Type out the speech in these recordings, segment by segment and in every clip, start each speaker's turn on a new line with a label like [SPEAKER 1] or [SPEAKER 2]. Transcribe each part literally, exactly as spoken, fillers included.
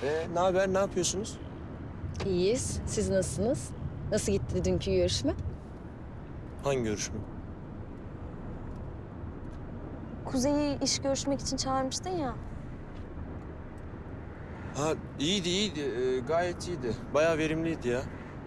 [SPEAKER 1] Ee, ne haber, ne yapıyorsunuz?
[SPEAKER 2] İyiyiz. Siz nasılsınız? Nasıl gitti dünkü görüşme?
[SPEAKER 1] Hangi görüşme?
[SPEAKER 3] Kuzey'i iş görüşmek için çağırmıştın ya.
[SPEAKER 1] Ha iyiydi, iyiydi. Ee, gayet iyiydi. Bayağı verimliydi ya.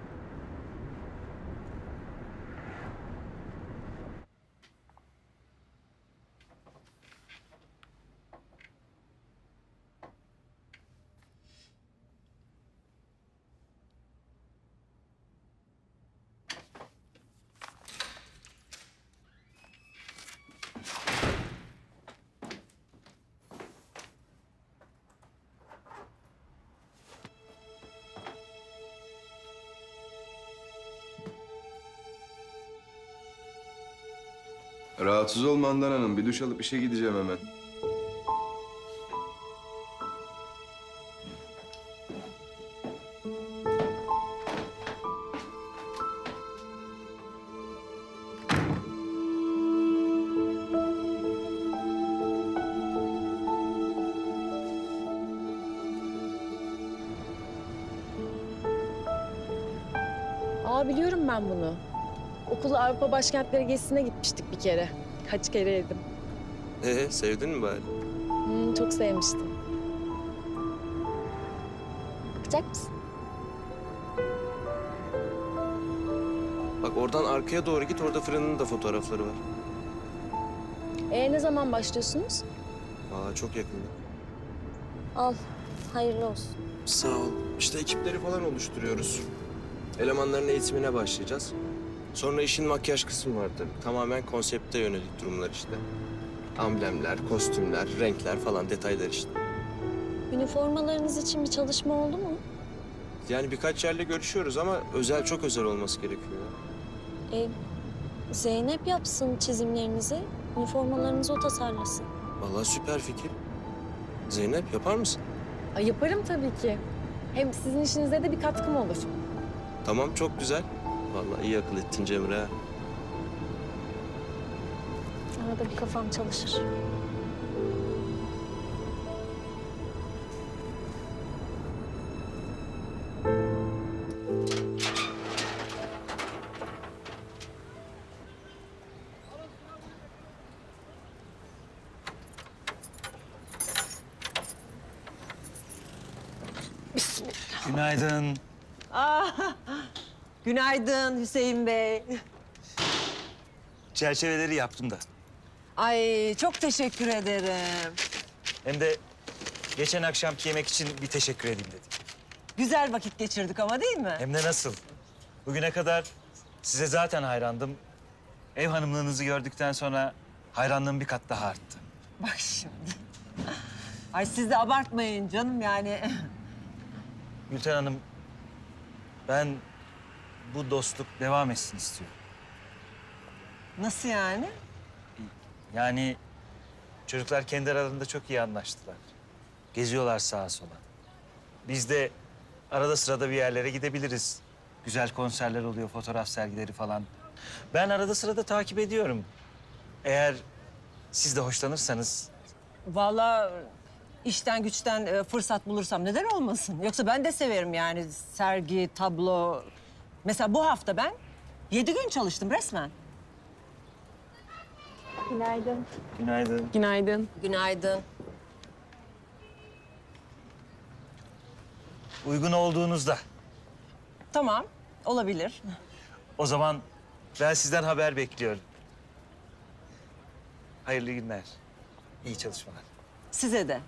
[SPEAKER 4] Rahatsız olma Handan Hanım. Bir duş alıp işe gideceğim hemen.
[SPEAKER 2] Aa biliyorum ben bunu. Okula Avrupa başkentleri gezisine gitmiştik bir kere. Kaç kere yedim.
[SPEAKER 1] Ee, sevdin mi bari?
[SPEAKER 2] Hmm, çok sevmiştim. Bakacak mısın?
[SPEAKER 1] Bak oradan arkaya doğru git, orada fırının da fotoğrafları var.
[SPEAKER 2] Ee ne zaman başlıyorsunuz?
[SPEAKER 1] Aa çok yakında.
[SPEAKER 3] Al, hayırlı olsun.
[SPEAKER 1] Sağ ol. İşte ekipleri falan oluşturuyoruz. Elemanların eğitimine başlayacağız. Sonra işin makyaj kısmı var tabii. Tamamen konsepte yönelik durumlar işte. Amblemler, kostümler, renkler falan detaylar işte.
[SPEAKER 3] Üniformalarınız için bir çalışma oldu mu?
[SPEAKER 1] Yani birkaç yerle görüşüyoruz ama özel, çok özel olması gerekiyor.
[SPEAKER 3] E, Zeynep yapsın çizimlerinizi. Üniformalarınızı o tasarlasın.
[SPEAKER 1] Vallahi süper fikir. Zeynep yapar mısın?
[SPEAKER 2] Ay yaparım tabii ki. Hem sizin işinize de bir katkım olur.
[SPEAKER 1] Tamam, çok güzel. Vallahi iyi akıl ettin Cemre. ha.
[SPEAKER 3] Arada bir kafam çalışır.
[SPEAKER 5] Günaydın.
[SPEAKER 6] Ah, günaydın Hüseyin Bey.
[SPEAKER 5] Çerçeveleri yaptım da.
[SPEAKER 6] Ay çok teşekkür ederim.
[SPEAKER 5] Hem de geçen akşamki yemek için bir teşekkür edeyim dedim.
[SPEAKER 6] Güzel vakit geçirdik ama değil mi?
[SPEAKER 5] Hem de nasıl? Bugüne kadar size zaten hayrandım. Ev hanımlığınızı gördükten sonra hayranlığım bir kat daha arttı.
[SPEAKER 6] Bak şimdi. Ay siz de abartmayın canım yani.
[SPEAKER 5] Gülten Hanım, ben bu dostluk devam etsin istiyorum.
[SPEAKER 6] Nasıl yani?
[SPEAKER 5] Yani çocuklar kendi aralarında çok iyi anlaştılar. Geziyorlar sağa sola. Biz de arada sırada bir yerlere gidebiliriz. Güzel konserler oluyor, fotoğraf sergileri falan. Ben arada sırada takip ediyorum. Eğer siz de hoşlanırsanız
[SPEAKER 6] Vallahi işten güçten e, fırsat bulursam neden olmasın? Yoksa ben de severim yani sergi, tablo. Mesela bu hafta ben yedi gün çalıştım resmen.
[SPEAKER 3] Günaydın.
[SPEAKER 5] günaydın.
[SPEAKER 2] Günaydın.
[SPEAKER 6] Günaydın.
[SPEAKER 5] Uygun olduğunuzda.
[SPEAKER 6] Tamam, olabilir.
[SPEAKER 5] O zaman ben sizden haber bekliyorum. Hayırlı günler. İyi çalışmalar.
[SPEAKER 6] Size de.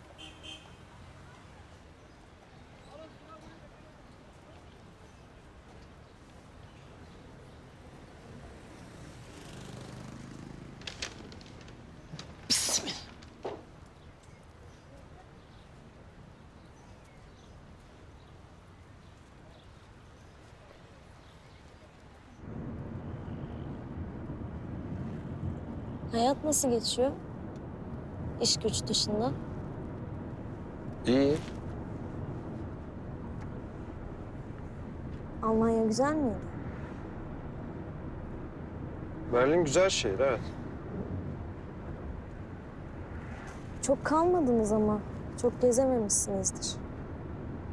[SPEAKER 3] Hayat nasıl geçiyor? İş güç dışında.
[SPEAKER 1] İyi.
[SPEAKER 3] Almanya güzel miydi?
[SPEAKER 1] Berlin güzel şehir, evet.
[SPEAKER 3] Çok kalmadınız ama. Çok gezememişsinizdir.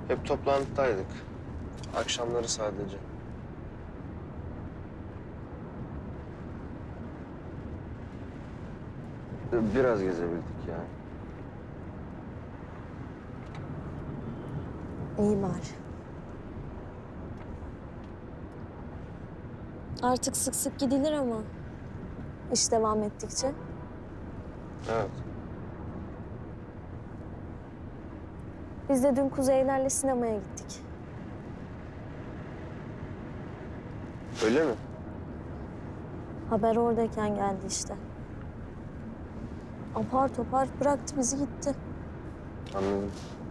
[SPEAKER 1] Hep toplantıdaydık. Akşamları sadece. Biraz gezebildik yani.
[SPEAKER 3] İyi bari. Artık sık sık gidilir ama iş devam ettikçe.
[SPEAKER 1] Evet.
[SPEAKER 3] Biz de dün Kuzeylerle sinemaya gittik.
[SPEAKER 1] Öyle mi?
[SPEAKER 3] Haber oradayken geldi işte. Apar topar bıraktı bizi gitti.
[SPEAKER 1] Anladım.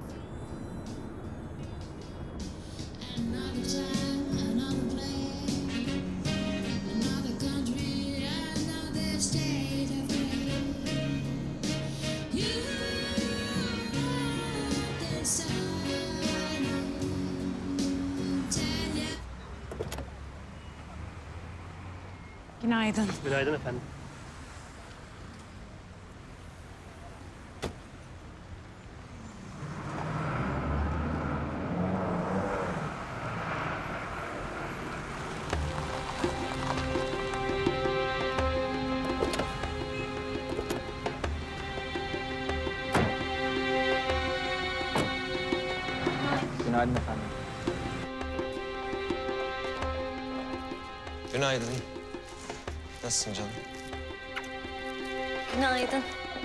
[SPEAKER 7] Günaydın.
[SPEAKER 8] Günaydın efendim.
[SPEAKER 5] Günaydın efendim.
[SPEAKER 1] Günaydın. Nasılsın canım?
[SPEAKER 3] Günaydın.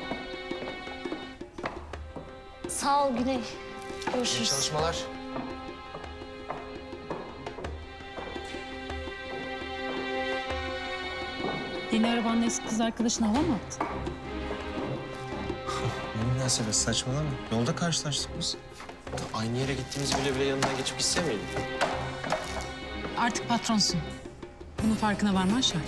[SPEAKER 3] Sağ ol Güney.
[SPEAKER 1] İyi
[SPEAKER 3] Görüşürüz.
[SPEAKER 1] çalışmalar.
[SPEAKER 7] Yeni arabanla eski kız arkadaşın hava mı attı?
[SPEAKER 1] Ne münasebet, saçmalama. Yolda karşılaştık biz. Aynı yere gittiğimiz bile bile yanından geçip gitse miydin?
[SPEAKER 7] Artık patronsun. Bunun farkına varman şart.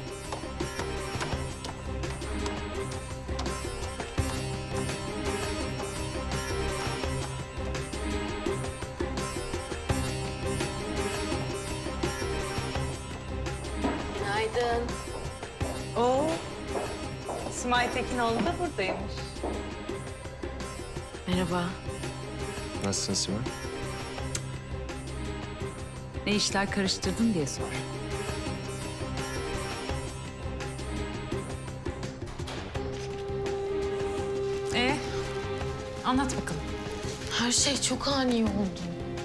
[SPEAKER 9] Günaydın. Oo, Simay Tekinoğlu da buradaymış.
[SPEAKER 7] Merhaba.
[SPEAKER 1] Nasılsın Sima?
[SPEAKER 7] Ne işler karıştırdın diye sor. Ee, anlat bakalım.
[SPEAKER 2] Her şey çok ani oldu.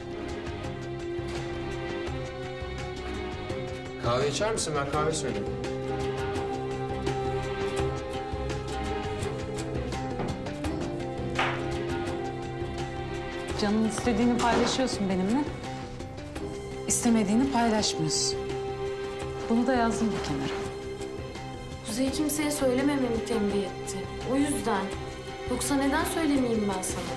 [SPEAKER 1] Kahve içer misin? Ben kahve söyleyeyim.
[SPEAKER 7] Canın istediğini paylaşıyorsun benimle. İstemediğini paylaşmıyorsun. Bunu da yazdım bir kenara.
[SPEAKER 10] Kuzey kimseye söylemememi tembih etti. O yüzden. Yoksa neden söylemeyeyim ben sana?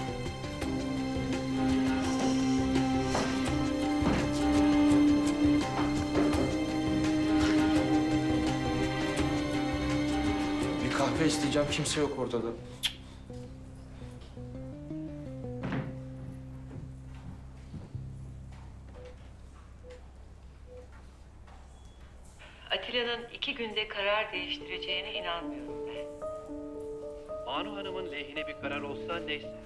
[SPEAKER 1] Bir kahve isteyeceğim. Kimse yok ortada.
[SPEAKER 11] Atilla'nın iki günde karar değiştireceğine inanmıyorum ben.
[SPEAKER 8] Banu Hanım'ın lehine bir karar olsa neyse.